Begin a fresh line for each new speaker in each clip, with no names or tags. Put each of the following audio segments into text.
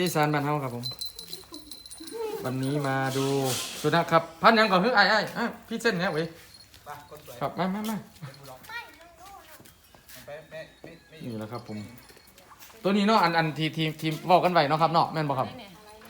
อีสานบ้านเฮาครับผมวันนี้มาดูสุนัขครับพันยังก่อนคือไอ้พี่เส้นเนี่ยเว้ยครับมานี่แหละครับผมตัวนี้เนาะอันทีมบอกกันไว้เนาะครับเนาะแม่นบ่ครับ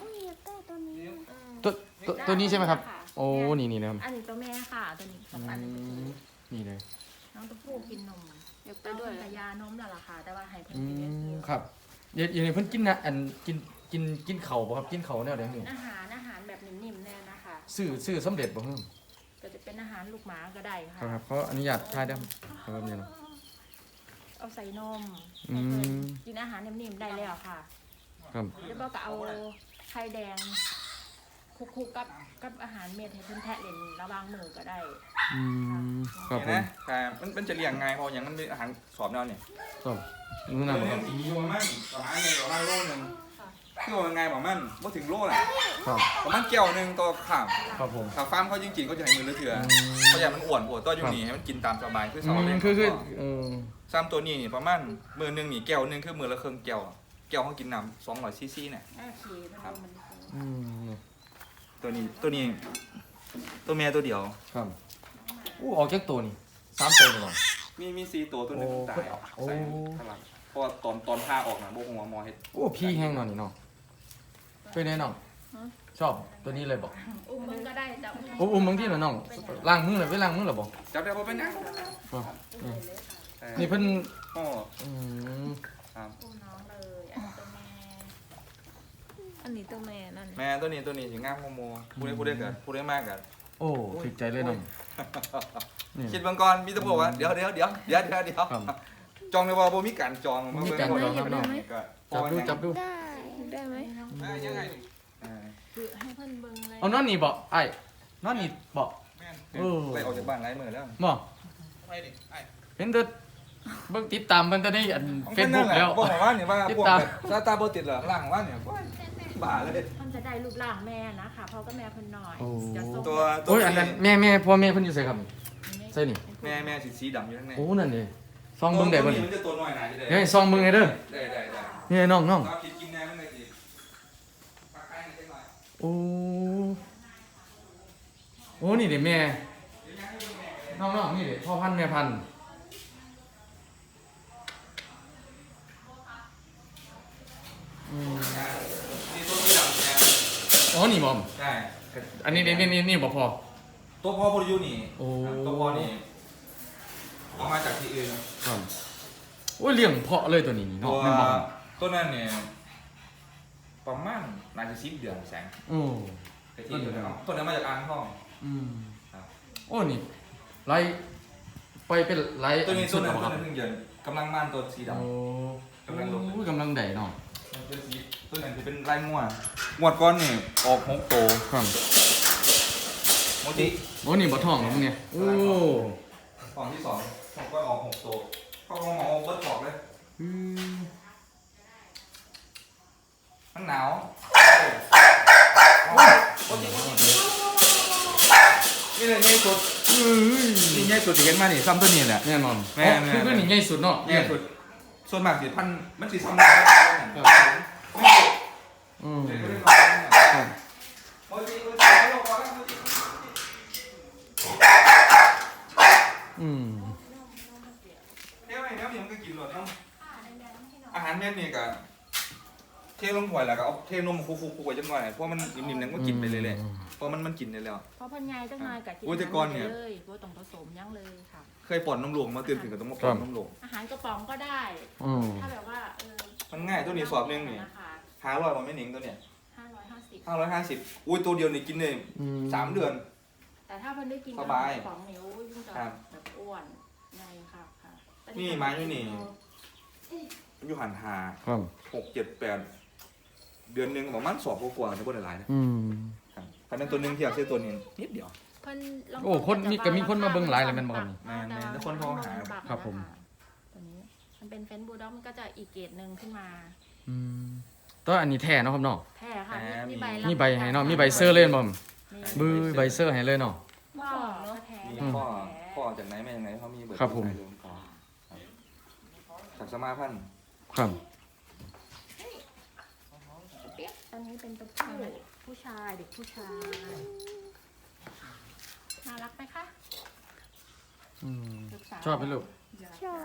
ตัวนี้ใช่ไหมครับโอ้นี่นะครับ
อันนี้ตัวแม่ค่ะตัวนี้กับอันนี้
นี่เลย
น้องตัวผู้กินนมยกไปด้วยยานมแล้วล่ะค่ะแต่ว่าให้เพิ่น
อื
กิน
มครับอย่างนี้เพิ่นกินนะอันกินเข่าบ่ครับกินเข่าแนวใดนี่
อาหารแบบนิ่มๆแน่นะคะ
ซื้อสำเร็จบ่เพิ่ม
ก็จะเป็นอาหารลูกหมาก็ได้ค่ะ
ครับเขาอนุญาตทายได้ครับเนี่ยเนาะ
เอาใส่นม
อื
ให้เพิ่น
ม
กินอาหารนิ่มๆได้แล้วค่ะ
ครับ
แล้วก็เอาไข่แดงคลุกๆกับอาหารเม็ดให้เพิ่นแทะเล่นระหว่างมือก็ได้
อืมครับผม
นะแต่มันจะเลี้ยงง่ายเพราะอย่างมันมีอาหารสอบแนวเนี่ย
ครับนู่นน่ะครับ
สีประมาณประมาณโลนึงคือว่าไงประมาณว่าถึงโลแหละ
ครับ
ประมาณแก้วนึงต่อข้าม
ครับผม
ถ้าฟาร์มเขาจริงๆก็จะให้มือละเถื่อเพราะอย่างมันอ้วนตัวอยู่นี่ให้มันกินตามสบายคือสอนเลย
คือ
ซ้ำตัวนี้ประมาณมือนึงนี่แก้วนึงคือมือละครึ่งแก้วแก้วเขากินน้ำ200 ซีซีเนี่ย
โอเคมัน
อืม
ตัวนี้ตัวเมียตัวเดียว
ครับอู้ออกจากตัวนี่3ตัวเลยบ่
มี4ตัวนึงตายใส่ข้างหลังเพราะตอนพาออกนะโบกหัวมอเฮ็ด
โอ้พี่แห้งหน่อยนี่เนาะเป็นไงน้องชอบตัวนี้เลยบ่
อุ้มมึงก็ได้แต่
อุ้มบางทีน่ะน้องล้างมือเลยไปล้างมือหรอบ่
จับได้เพราะเป็นยัง
นี่เพิ่น
อ๋อ
อืม
อุ้มน้องเลยอันนี้ตัวแม่นั่น
แม่ตัวนี้ถึงงามโมโมพูดได้กันพูดได้มากกัน
โอ้ถูกใจเลยน้องนี่
คิดบางก่อนมีตะบอกว่าเดี๋ยวจองในว่าบ่มีการจอง
มีการจองครับน้อง จับดู
ได้ไหม
ยังไง
คือให้เพิ่นเบิ่งเลย
เอานอนนี่บ่ไอ้นอนนี่บ่
แม่ไปออกจากบ้านไร้มือแล้ว
บ่
ไปดิไอ้
เห็นแต่เบิ่งติดตามเพิ่นแต่ในอัน Facebook แล้ว
บอกว่าเนี่ยว่าพวกซาตาโบติดเหรอล่างว่าเนี่ยบ้าเลย
มันจะได้รูปร่างแม่นะคะพ่อก็แม่เพิ่นหน่อย
ตัว
โอ้ยอันนั้นแม่พ่อแม่เพิ่นอยู่ไสครับใส่นี่
แม่สีดำอยู่ข้างใน
โอ้นั่นนี่ซองเบิ่งได้บ่นี่
มันจะตัวน้อยหน่อยจะได้
เฮ้ยซองเบิ่งให้เด้อ
ได้
นี่น้อง
เราคิดกินแน่ไม่ได้ดีปักไก่หน่อย
โอ้นี่เด้แม่น้องนี่เด้พ่อพันธุ์แม่พันธุ์
นี่ตัวที่ดำเนี่ย
อ๋อนี่บ่
ใช่
อันนี้นี่บ่พอ
ตัวพ่อพอดีนี่
โอ้
ตัวพ่อนี่เอามาจากที่อื่น
ครับโอ้ยเลี้ยงเพาะเลยตัวนี้นี่
ตั
เนาะ
ว
แม่นบ่ครับ
ตัวนั้นเนี่ยประมาณน่าจะ10 เดือนแสง
โอ้
แต่ที่ตัวนั้นมาจากอ่างทอง
อืม
ครับ
โอ้นี่ไล่ไปเป็นไล่
ตัวนี้
สุด
ตัว
แล้วบ่ครับ
นั้นเพิ่งเดือนกำลังม่านตัวสีดำ
โอ้
กำลังลง
โอ้ยกำลังได้เนาะ
ตัวสีตัวนั้นจะเป็นลายงัวงวดก้อนนี่ออก6 โต
ครับ
โมจิ
โอ้นี่บ่ท้องแล้วมึงเนี่ยโอ้
กล่องที่2ของก้อนออก6 โตเข้าของหมอเบิดบอกเลย
อืม
มันหนาวนี่เลยง่ายสุด
เอ้ย
นี่ง่ายสุดที่เห็นมานี่ซ้ำตัวนี้แหละ
แน่นอน
แม่
คือนี่ใหญ่สุดเนาะ
ง่ายสุดส่วนมากสิพันมันสิซ้ำได้
อืม
ครับ
อืม
อาหารเม็ดนี่ก็เทลงถ้วยแล้วก็เอาเทนมคูๆไว้จังหน่อยเพราะมันนิ่มๆนั่นก็กินไปเลยแหละเพราะมันกินได้แล้ว
เพราะเพิ่นใหญ่จังหน่อยก็กิ
อุ้ยแต่ก่อนเนี่ย
เลยบ่ต้องผสมหยังเลยค่ะ
เคยป้อนนมหลวงมาตื่นถึงกับต้องมาป้อนนมหลวง
อาหารกระป๋องก็ได้
อืม
ถ้าแบบว่า
มันง่ายตัวนี้สอบนึงนี่
นะคะ
500มันไม่หนิงตัวเนี่ย
550
550อุ้ยตัวเดียวนี่กินได้3 เดือน
แต่ถ้าเพิ่นได้กิน
สบาย
กระป๋องนิ้วยิ่งจะ
ครับ
แบบอ้วนใหญ่ค่ะค่ะแต่
นี่มาอยู่นี่ มันอยู่หันหา
ครับ
6 7 8 เดือนหนึงประมาณ2กว่าๆในบ่ได้หลายนะ
อืม
ครับคันนั้นตัวหนึงเทียบใส่ตัวนี้นิดเดียว
เพิ่นลง
โอ้คนมีก็มีคนมาเบิ่งหลายเลยแม่นบ่ครับนี่
แม่นๆแล้วคนโทรหา
ครับผม
ตัวนี้มันเป็นเฟนบูลด็อกมันก็จะอีกเกรดหนึ่งขึ้นมา
อืมตัวอันนี้แท้เนาะครับเนาะ
แท้ค่ะมี
มีใบให้เนาะมีใบเซอร์เลยบ่
มี
บื้อใบเซอร์ให้เลยเนาะ
พ่อแท้
มีพ่อจากไหนมาจากไหนเขามีเบอร์
ครับผม
สายเดิก่อนครับจากสมาพันธ์
ครับ
อนนี้เป็นตัวผู้ชายเด็กผู้ชายน่ารักไหมคะ
อืม
ลูกสาว
ชอบไหมลูก
ชอบ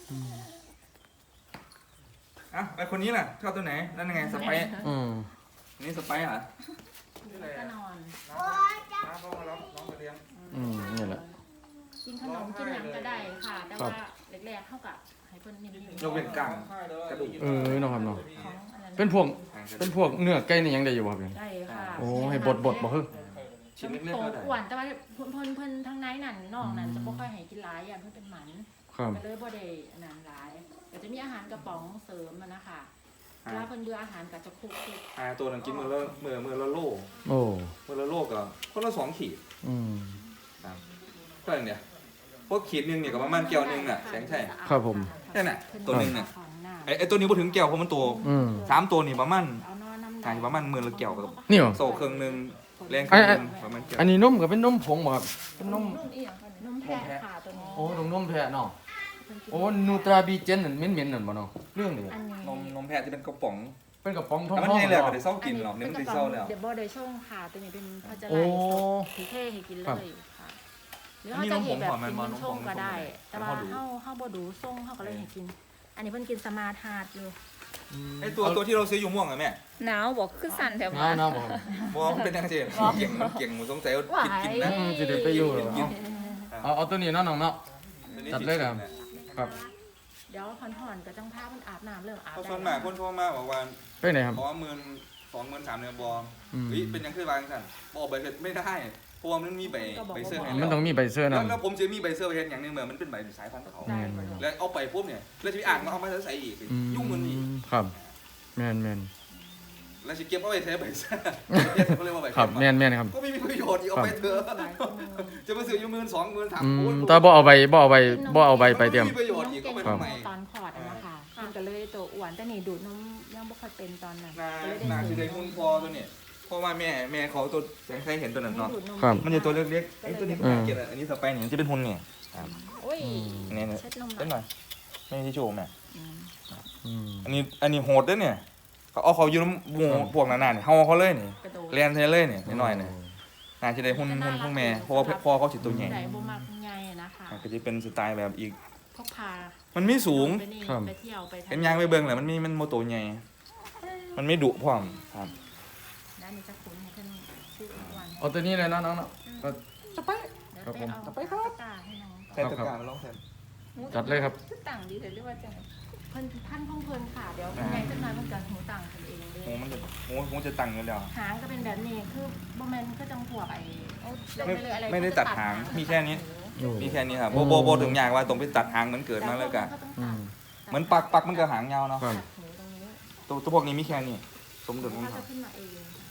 อ่ะไปคนนี้ล่ะชอบตัวไหนนั่นยังไงสไปซ์
อืม
นี่สไปซ์เหรอ
ก็นอน
น้าเขามารับน้องไปเลี้ยง
นี่แหละ
กินขนมกินหยังก็ได้ค่ะ แต่ว่าแรกๆเท่ากับให้เพิ่นนิ่มๆ
ยกเว้นกลางกระดูก
น้องครับน้อง
ของอันนั้น
เป็นพวกเนื้อไก่นี่ยังได้อยู่บ่ครับเนี่ย
ได้ค่ะ
โอ้ให้บดบ่ฮึ
ชิ้นเล็ก
โต
ๆก็ได้
อ้วนแต่ว่าเพิ่นทั้งในนั่นนอกนั้นจะบ่ค่อยให้กินหลายอย่างเพิ่นเป็นหมัน
ครับ
ก็เลยบ่ได้อันนั้นหลายก็จะมีอาหารกระป๋องเสริมมันนะคะเวลาเพิ่นเบื่ออาหารก็จะคลุก
ตัวนั้นกินมือละโล
โอ้
มือละโลก็คนละ2 ขีด
อืม
ครับก็อย่างเนี้ยพวกขีดหนึงเนี่ยก็ประมาณแก้วหนึงอ่ะแสงใช่
ครับผม
แค่นั้นตัวหนึงเนี่ย
ของหน้า
ไอ้ตัวนี้บ่ถึงแก้วเพราะมันตัว
อืม
3ตัวนี่ประมาณ
เอานอนน้ำ
ไก่ประมาณมือละแก้วกับ
นี่เหรอ
โซ่ครึ่งหนึงแรงครึ่งหนึงประมาณแก้ว
อันนี้นมก็เป็นนมผงบ่ครับเป็นนม
นมแพะค่ะตัวนี้
โอ้นมแพะเนาะโอ้นูตราบีเจนนั่นเหม็นๆนั่นบ่เนาะเรื่องนี้
อันนี้
นมแพะจะเป็นกระป๋อง
เป็นกระป๋องทอง
แต่มัน
ๆ
ใหญ่แล้วก็
เนาะ
ได้เศร้ากินหรอกเนี่ยมันได้เศร้าแล้ว
เดี๋ยวบ่ได้ช่วงค่ะตัวนี้เป็นพระเจ้า
โอ้
ไล่ถือเท่ให้กินเลยค่ะหรือเขาจะเห็นแบบกินเป็นช่วงก็ได้ แต่ว่าเฮาบ่ดูส่งเฮาก็เลยให้กิน อันนี้เพิ่นกินสมาร์ทฮาร์ดอยู่
ไอ้ตัวที่เราซื้ออยู่ม่วงอะแม่
หนาวบอกคือสั่นแถว
น้า
บ้าน
น้าบ่ครับ
ม่วงมันเป็นยังไงเก่งมันเก่งมันสงสัยว่ากินนะ
จะได้ไปอยู่เหรอเอาตัวนี้เนาะน้องเนาะ จัดเลยครับ ครับ
เดี๋ยวผ่อนๆก็จังพาเพิ่นอาบน้ำเริ่มอาบ
เขา
ได้
ส่วนมากคนโทรมาบอกว่า
ไปไหนครับ
ขอ12,000 13,000เนี่ยบอ
อืม
เฮ้ยเป็นยังคือบางสั่นบอกใบเสร็จไม่ได้เพราะว่ามันมีใบเสื้อให้
มันต้องมีใบเสื้อ
แล้ว
นำ
แล้วผมจะมีใบเสื้อไปเห็นอย่างหนึงเหมือนมันเป็นใบสายพันธุ์เขา
ได้
แล้วเอาไปปุ๊บเนี่ยแล้วจะไปอ่านมาเอามาใส่อีกยุ่งมันอีก
ครับแม่น
แล้วจะเก็บเอาไปใช้ใบเสื้อเขาเรียกว่าใบ
ๆครับแม่นครับ
ก็ไม่มีประโยชน์อีกเอาไปเถอะจะมาซื้ออยู่12,000
อืม
13,000
แต่บ่เอาใบไปเตรียม
มีประโยชน์อีกก็ไปทำไม
ตอนคลอดนะคะเพิ่นก็เลยตัวอ้วนแต่นี่ดูดนมยังบ่ค่อยเป็นตอนนั้น
นา
ก็เลย
นา
ได้
คือได้หุ้นพอตัวเนี่ยเพราะว่าแม่เขาตัวแสงใครเห็นตัวนั้นเนาะ
ดูดนม
ครับ
มันจะตัวเล็กๆไอ้ตัวนี้มันเกลียดอันนี้สไปเนี่ยจะเป็นหุ้นเนี่ย
โอ้ย
เนี่ย
เช็ดนมห
เล่นห
น่
น่
อ
อย ยไม่ใช่โชว์แม่
อืม
อันนี้โหดด้วยเนี่ยเขาอยู่น้ำหมู่พวกนั้นๆเนี่ยเฮาเขาเลยนี่
กระโดด
เรียนเทเลยเนี่ยนิดหน่อยเนี่ยน่าจะได้หุ้นแม่เพราะว่าพ่อเขาสิตัวใหญ่
ใหญ่บ่มักใหญ่นะคะ
ก็จะเป็นสไตล์แบบอีก
พกพา
มันไม่สูง
ไปนี่ไปเที่ยวไปทะเล
เห็นยางไปเบิ่งแหละมันโมโตใหญ่มันไม่ดุพร้อมครับ
ด้านนี้จะคุ้นให้เพิ่นชื่อวัน
เอาตัวนี้เลยเนาะน้องเนาะก็
เดี๋ยวไปเอาไปตาให้น้อง
ใส่ตะกร้าลองใส่
จัดเลยครับ
คือต่างดีแต่เรียกว่าจัง
เพิ่นพันของเพิ่นค่ะเดี๋ยวยังไงจังหน่อยมันก็หูต่างกันเองเลย
หูจะตั้งอยู่แล้ว
หางก็เป็นแบบนี้คือบ่แม่นก็จังพวกไอ้เอาลงปเลยอะร
ไม่ได้ตัดหางมีแค่นี้
โอ้
มีแค่นี้ครับโบถึงอย่างว่าตรงไปตัดหางมันเกิดมาแล้วกัน
อืม
เหมือนปักมันก็หางยาวเนาะ
ครับ
หูตรงนี้
ตัวพวกนี้มีแค่นี้สมดุลของ
เขา
เขา
จะขึ้นมาเอง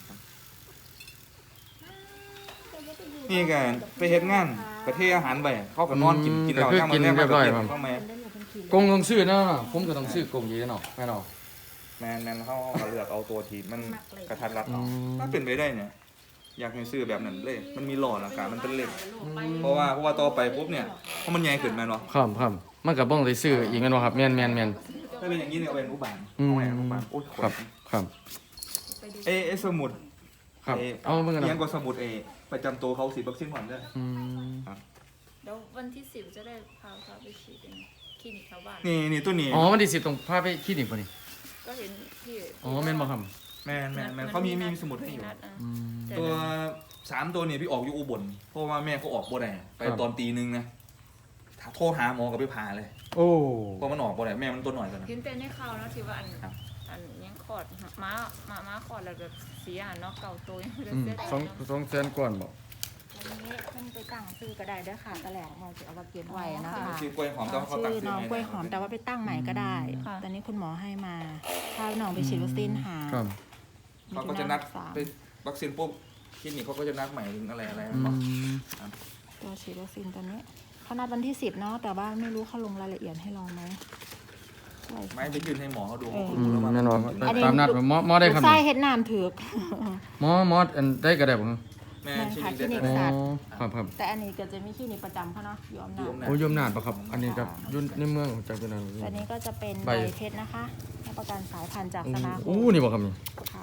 นี่กันไปเฮ็ดงานประเทศอาหารไปเขาก็นอนกินเหล้าย่างมันแรกมาเข้ามา
เพิ่นได้อยู่เพิ่นขี่
กงต้องซื้อเนาะผมก็ต้องซื้อกงอยู่เนาะแม่เนาะ
แมนเขาเลือกเอาตัวที่มันกระทัดรัด
อื
เอา
ม
ถ้าเป็นไปได้เนี่ยอยากให้ซื้อแบบนั้นเลย มันมีหล่อราคามันเป็นเล็กเพราะว่าต่อไปปุ๊บเนี่ยเพราะมันใหญ่ขึ้นมาเนาะ
ครับมันก็บ่ได้ซื้ออีกแม่นบ่ครับแม่น
ถ้าเป็นอย่างนี้เนี่ยเอาเป็นอุบาน
อืม
เอาไว้อุบานโอ้ย
ครับ
เอสมุด
ครับเอาเบิ่งกัน
เลี้ยง
เนาะ
ก็สมุดประจำตัวเขาฉีดวัคซีนก่อนด้วย
อืม
เดี๋ยววันที่10จะได้พาเขาไปฉีดเองคลินิกแถวบ้าน
นี่ตัวนี้
อ๋อมันสิตรงพาไปคลินิกบ่นี่
ก็เห็นที่
อ๋อแม่นบ่ครับ
แมนเขามีสมุดให้อยู่
นัดอ่ะ
อืม
แต่
ตัว3ตัวเนี่ยพี่ออกอยู่อุบลเพราะว่าแม่เขาออกบ่ได้ไป
ครับ
ตอนตี 1นะโทรหาหมอก็ไปผ่าเลย
โอ้
เพราะมันออกบ่ได้แม่มันตัวหน่อยกันนะ
เห็นแต่ในข่าวเนาะที่ว่าอัน
ครับ
อันยังคลอดม้าคลอดแล้วแบบเสียเนาะเก่าตัวยังไม่ได้
อืม
เสีย
2แสนกว่าบ่
วันนี้เพิ่นไปตั้งชื่อก็ได้เด้อค่ะตะแหลงเราจะเอามาเขียนไว้นะคะ
ชื่อกล้วยหอมแต่ว่าเขา
ชื่
ตัด
อ
ซื้อ
น้อง
ให้
กล้วยหอมแต่ว่าไปตั้งใหม่ก็ได้ ตอนนี้คุณหมอให้มาพาน้องไปฉีดวัคซีนหา
ครับ
เขาก็จะนัดไปวัคซีนปุ๊บคลินิกเขาก็จะนัดใหม่ถึงอะไร
อืม
ตัวฉีดวัคซีนตอนนี้เขานัดวันที่10เนาะแต่ว่าไม่รู้เขาลงรายละเอียดให้เราไหมใช่
ไม่ไปยื่นให้หมอเขาดูเขา
อื
ดู
ม
แล้วว่า
แม่นบ่ตามนัดหมอได้ครับ
ลูกไส้เฮ็ดน้ำถือก
หมออันได้ก็ได้บ่ครับ
แม่
แม่
คลิ
ค่ะ
นิก
คลินิก
ได้
อ๋อ
สัตว์
ครับ
แต่อันนี้ก็จะมีคลินิกประจำเขาเนาะอยู่อำนาจ
โอ้ยมนาดปะครับ อันนี้กับยุ่นในเมืองจากตัวนั้น
แต่นี้ก็จะเป็น
ใบ
ใบเพชรนะคะรับประกันสายพันธุ์จากสมาคม
อู้นี่บ่ครับนี่
ค่ะ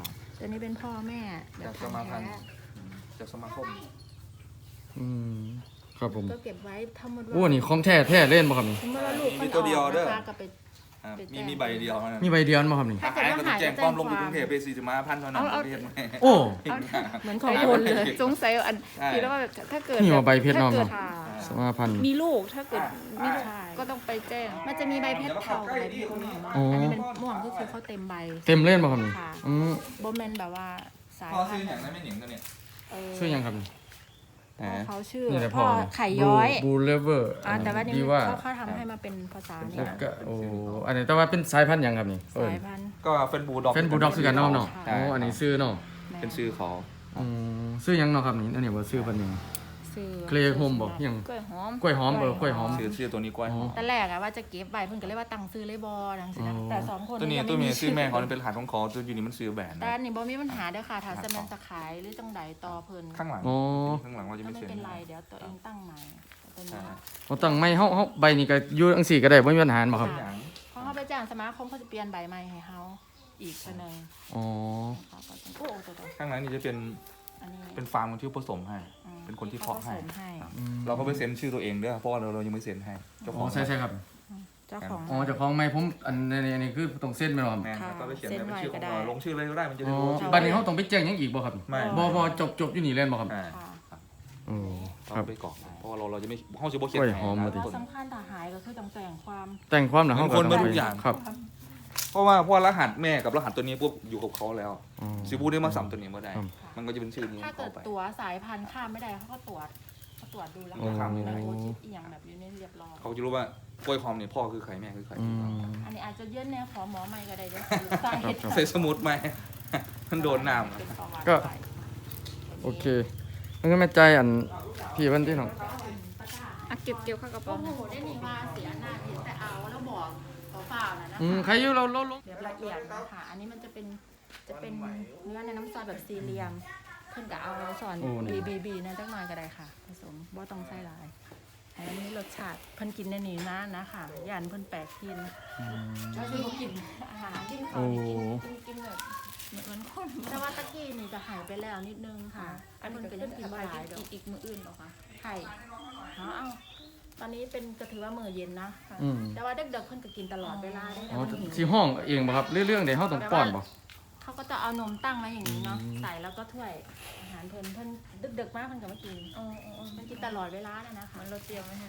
ตัวนี้เป็นพ่อแม่แบบ
จากสมาพันธ์
แท้
จากสมาคม
อืมครับผม
ก็เก็บไว้ถ้าหมด
โอ้นี่ของแท้เล่นบ่ครับนี่
สมมติว่าลูก
มีตัวเดียวเด้อ
นะคะก็ไป
ครับ
ไปแจ้
มี
ง
มีใบเดียวเท่านั้น
มีใบเดียวบ่ครับนี่
ถ้าเกิด
หาย
ว่า
ก็ต้อ
หาง ย
แจ้ง
จะ
ความลง
แจ้
ก
ง
รุงเทพไป45,000เท่านั้นประเทศไหม
โอ้
เหมือนของคน เลย
สงสัยอันที่แล้วว่าแบบถ้าเกิด
นี่ว่าใบเพชรเนาะ
ถ้าเกิด
ค่ะ
สมาพันธ์
มีลูกถ้าเกิดมีลูก
ใช่
ก็ต้องไปแจ้ง
มันจะมีใบเพชรเทากับใบเพชรม่วงเนาะ
อ๋ออั
อันนี้เป็นม่วงก็คือเขาเต็มใบ
เต็มเล่นบ่ครับนี่
ค่ะ
อืม
โบแมนแบบว่าสาย
พ่อ
พั
ซื้อน
ธุ์
อย่างนั้นไม่หนิงตัวเนี่ย
ชื่อยังครับนี่
พ่อเขาชื่อ
นี่แหละ
พ่อ
เนี่ย
ไข่ย้อย
บูเลเวอร์
แต่ว่านี่
ดีว่า
เขาทำให้มาเป็นภาษาเนี่
แล้
ยว
ก็โอ้อันนี้แต่ว่าเป็นสายพันธุ์หยังครับนี่เอิ้
สาน ยพันธุ์
ก็เฟนบูด็อก
เฟนบูลด็อกคือกันเนาะเนาะ
ใช่
อ๋ออันนี้ซื้อเนาะ
แม่
เป็นชื่อเขา
อืมซื้อหยังเนาะครับนี่อันนี้ว่าซื้อเพิ่นหยัง
ซื้อ
เคลโฮมบ่หยัง
กล้วยหอม
กล้วยหอมกล้วยหอม
ชื่อตัวนี้กล้วยหอม
แต่แรกอะว่าจะเก็บใบเพิ่นก็เลยว่าตั้งซื้อเลยบอดังสินะ
อ๋อ
แต่สองคน
ตัวนี้
ยัง
ตัว
ไม่
เมีย
มี
ชื่อแม่เขาเป็นรหัสของเขาตัวอยู่นี่มันซื้อแบรนด์
แต่
นะ
อันนี่บ่มีปัญหาเด้อค่ะถ้าจะแม่นจะขายหรือจังใดต่อเพิ่น
ข้างหลัง
อ๋อ
ข้างหลังเราจะ
ก็
ไม่
ไม่
เซ็น
เป็นไรเดี๋ยวตัวเองตั้งใหม่ตัวนี้
เขาตั้งไม่เฮาใบนี้ก็อยู่จังซี่ก็ได้บ่มีปัญหาบ่ครับ
เพราะเขาไปจ้างสมาคมเขาจะเปลี่ยนใบใหม่ให้เฮาอีกคนนึง
อ๋อ
เขาก็จะโอ้ตัว
ข้างหลังนี่จะเป็น
อันนี้
เป็นฟาร์มคนที่ผสมให้ เป็นคนที่เพาะให้
ผสมให้
เราก็ไปเซ็นชื่อตัวเองด้วยเพราะว่าเรายังไม่เซ็นให้เจ้าข
อ๋
อ
องใช่ครับ
เจ้าของ
อ๋อเจ้าของไม่ผมอันนี้คือต้องเซ็นแม่นบ่ครับ
แม่
ค่ะ
ก็ไปเขียน
เซ็น
เป็น
ไว้
ชื่อข
ก็
อง
ได้
เราลงชื่อเลยก็ได้มันจะ
อ๋
ได้
อ
รู้ว่าชื่อ
บัดนี้เฮาต้องไปแจ้งหยังอีกบ่ครับ
ไม่
บ่จบอยู่นี่เล่นบ่ครับ
อ่า
ค่ะ
โอ้ค
ต้
รั
อบ งไปกรอกเพราะว่าเราจะไม่ห้องจะบ่เขียน
กล้วยหอม
ให้
แล้ว
นะ
สำคัญถ้าหายก็คือต้องแจ้งความ
แต่งความน่ะเฮาก็
คน
ต้
มา
อง
ทุ
ไป
กอย่าง
ครับ
เพราะว่ารหัสแม่กับรหัสตัวนี้ปุ๊บอยู่กับเขาแล้ว
อ๋อ
ซิบูได้มาสัมตัวนี้มาได้
ครับ
มันก็จะเป็นชื่อนี้
ถ้า
เข้า
เกิด
ไป
ตัวสายพันธุ์ข้ามไม่ได้เขาก็ตรวจดูแล้ว
อ๋อ
ก็ทำในโอชิปอีกอย่างแบบอยู่ในเรียบร้อย
เขาจะรู้ว่ากล้วยหอมเนี่ยพ่อคือใครแม่คือใคร
อืม
อันนี้อาจจะเยื่นแนวขอหมอใหม่ก็ได้เด้วยสาเหตุ
ใส่สมุดไหม มันโดนน้ำ
เป็นประวัติ
ก็
ไป
โอเคมันก็แม่ใจอันพี่เพิ่นที่น้อง
อ่ะเก็บเข้ากระเป๋า
โอ้โหได้นี่ว่าเสียหน้าเห็นแต่เอาแล้วบอกเปล่าๆนะ
อืม
คะ
ใครอยู่เราลง
เดี๋ยวละเอียดนะคะอันนี้มันจะเป็นเนื้อในน้ำซอสแบบสี่เหลี่ยมเพิ่นก็เอาสอนบีนั่นจักหน่อยก็ได้ค่ะ ผสมบ่ต้องใส่หลายอันนี้รสชาติเพิ่นกินในนี้นะค่ะย่านเพิ่นแปลกกินก็คือกินอาหารกินข้าวกินแบบเหมือนคนแต่ว่าตะกี้นี่จะหายไปแล้วนิดนึงค่ะ
อัน
เพิ่
นี้
นก็
ก็
ยั
ยัง ง
กิ
กิ
น
น
บ่
ไป
หลายดอก
อีกมื้ออื่นเหรอคะ
ไข่เอาตอนนี้เป็นก็ถือว่ามื้อเย็นนะ
อืม
แต่ว่าเด็กๆเพิ่นก็กินตลอดเวลาได้
อ๋อ
แต่มันหิว
สิห้องเองบ่ครับเรื่องใดเฮาต้องป้อนบ่
เขาก็จะเอานมตั้งไว้อย่างนี้เนาะ
อืม
ใส่แล้วก็ถ้วยอาหารเพิ่นดึกๆมากเพิ่นก็มากิน
อ๋อ
มันกินตลอดเวลานะนะคะ
มันเราเตรียมไว้ให้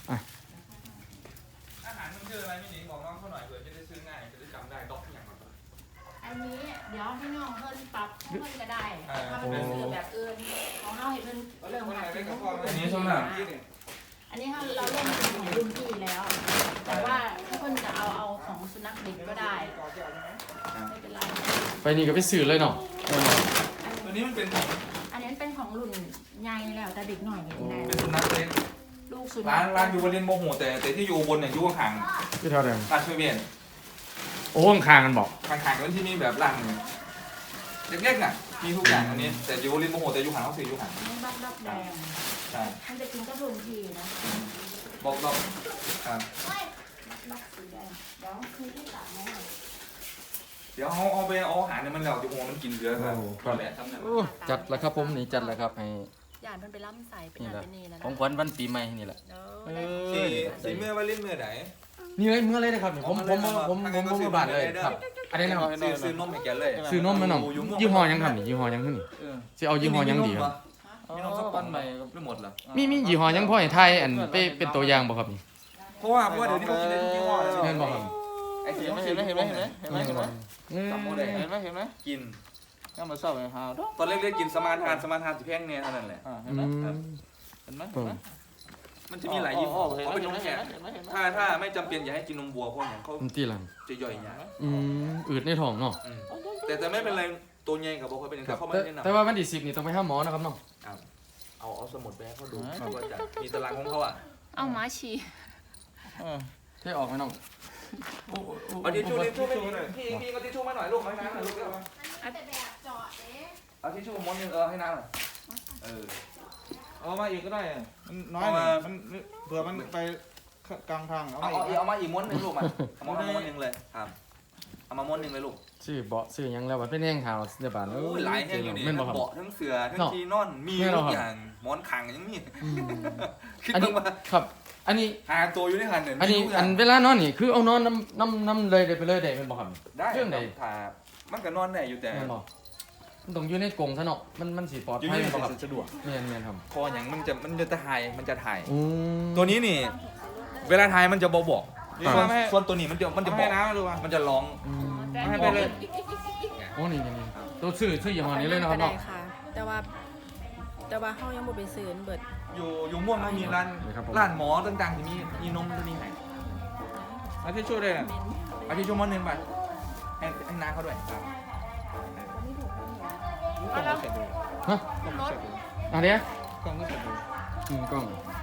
อาหารมันชื่ออะไรไม่หนิงบอกน้องเขาหน่อยเผื่อจะได้ซื้อง่ายจะได้จำได้ด็อกอย่างไร
อันนี้เดี๋ยวให้น้องเพิ่นปรับให้เพิ่นก็ได้ถ้ามันเป็นสื่อแบบอื่นของเฮาให้เพิ่นเริ่มหัดกิน
อันนี้ช่วงหน้า
อันนี้เราเริ่มกินของรุ่นพี่แล้ว แต่ว่าถ้าเพิ่นจะเอาของสุนัขเด็กก็ได้ไม่เป็นไร
ไปนี่ก็ไปซื้อเลยเนาะ
ตัวนี้มันเป็นของ
อันนี้เป็นของรุ่นใหญ่แล้วแต่เด็กหน่อยก็กินได้
เป็นสุนัขเล็ก
ลูกสุนั
ร้า
ข
นอยู่บนเรียนโมโหแต่ที่อยู่บนเนี่ยอยู่ห่าง
ที่เท่าเดิม
ร้านช่วยเวียน
โอ้ข้างๆกันบอก
ห่างๆกันที่นี่แบบร้านเล็กๆน่ะมีทุกอย่างอันนี้แต่อยู่เรียนโมโหแต่อยู่ห่างเขาซื้ออยู่ห่าง
นี่บักแดง
ใช่
มันจะกินกับรุ่นพี่นะ
บอกครับ
บักสีแดงเดี๋ยวคือที่ตัดนะ
เดี๋ยวเอาไปเอาอาหารเนี่ยมันแล้วจะโมมันกินเยอะครับก็แหละทำเนี่ย
โอ้จัดแล้วครับผมนี่จัดแล้วครับให้
ย่านเพิ่นไปล่ำใส่เป็น
นี่
นั่น
แหละ
เป็นนี่แล้ว
ของ
นะ
ขวัญวันปีใหม่นี่แหละ
เดี๋ยว
เอ
ได้
อ
สีเมื่อว่าเล่นเมื่อไหน
นี่เลยเมื่อเลยนะครับนี่ผมมาบาทเลยครับอันนี้นะครับ
ซื้อนมให้แกเลย
ซื้อนมแม่น้องยี่ห้อยังครับนี่ยี่ห้อยังขึ้นนี่สิเอายี่ห้อยังดีครับ
มีนมสักปั้นใหม่ไม่หมดเหรอ
มียี่ห้อยังพ่อให้ไทยอันเป็นตัวอย่างบ่ครับนี่
เพราะว่าเดี๋ยวนี้เขากินได้ทุกยี่ห้อเลย
เห็นบ่ครับ
ไอ้ที่เขาซื้อ
เห็นไหม
จำโมได้
เห็นไหม
กิน
ก็มาเศร้าไปหาดอก
ตอนเล็กๆกินสมาทานสิแพงเนี่ยเท่านั้นแหละ
เห็
อื
นไหม
ม
เห็นไหม
มันจะมีหลายยี่ห้อเขาเป็นนมแข็งถ้าไม่จำเป็นอย่าให้กินนมวัวเพราะอย่างเขา
มันตีหลัง
จะย่อยยาก
อืดในท้องเนาะ
แต่ไม่เป็นไรตัวใหญ่กับบอกเขาเป็นอย่าง
ครับ
เขาไม่แนะนำ
แต่ว่าวันที่10นี่ต้องไปหาหมอนะครับน้อง
เอาสมุดไปให้เขาดูว่าจะมีตารางของเขาอ่ะ
เอาหมาฉี่
เทออกไหมน้อง
เอาทิชชู่พี่ก็ทิชชู่มาหน่อยลูกให้น้ำหน่อยลูก
แต่แบบเจาะเอ๊ะ
เอาทิชชู่ม้วนนึงให้น้ำหน่อย
เอามาอีกก็ได้มันน้อยมันเผื่อมันไปกลางทางเอา
เอา
มาอีก
เอามาอีกม้วนนึงลูกมาเอามาม้วนนึงเลยครับเอามาม้วนหนึ่งเลยลูก
ชื่อเบาะชื่อหยังแล้วว่าเป็นแห้งขาวเดี๋ยวบาด
โอ้ยหลายแห้งอยู่นี่
แม่นบ่
ทั้ง
ครับ
เบาะทั้งเสือทั้ง
เนาะ
ที่นอนมี
แม่น
ทุ
บ่
ก
ครับ
อย่างหมอนขังยังมี
อืม
คิด
อันนี้
ว่า
ครับ อันนี้
หาตัวอยู่ในหันเนี่ย
อันนี้
มีทุกย่า
อั
ง
นเวลานอนนี่คือเอานอนน้ำเลยได้ไปเลยได้เป็นบ่ครับ
ได้
เรื่องไหน
ถ้ามันก็นอนได้อยู่แต่
แม่นบ่มันต้องอยู่ในกรงซะเนาะมันสิปลอด
อยู่
ภัย
นี่
บ่ครับ
สะดวก
แม่นครับ
คออย่างมันจะถ่ายมันจะถ่าย
อืม
ตัวนี้นี่ เวลาถ่ายมันจะบอก
นี่
ส่วน
มาให้
ส่วนตัวนี้มันจะบ
ให้
อก
น้ำมาดูมา
มันจะร้อง
อืม
แต่
ให้ไปเลย
โอ้นี่ตัวชื่อยี่ห้อนี้เลยนะครับ
ได้
เนาะ
ค่ะ แต่ว่าเฮายังบ่ไปซื้อเบิด
อยู่ม่วงมันมีร้าน
นี่ครับผม
ร้านหมอต่างๆที่มีนมตัวนี้ให้
เอาที่ช่วยด้วยนะ
เอาที่ชั่วโมงนึงไปให้น้าเขาด้วยครับ
กล่องก็เสร็จดู
ฮะ
กล่องก็เสร็จดู
อันเนี้ย
กล่องก็เสร็จดู
กล้อง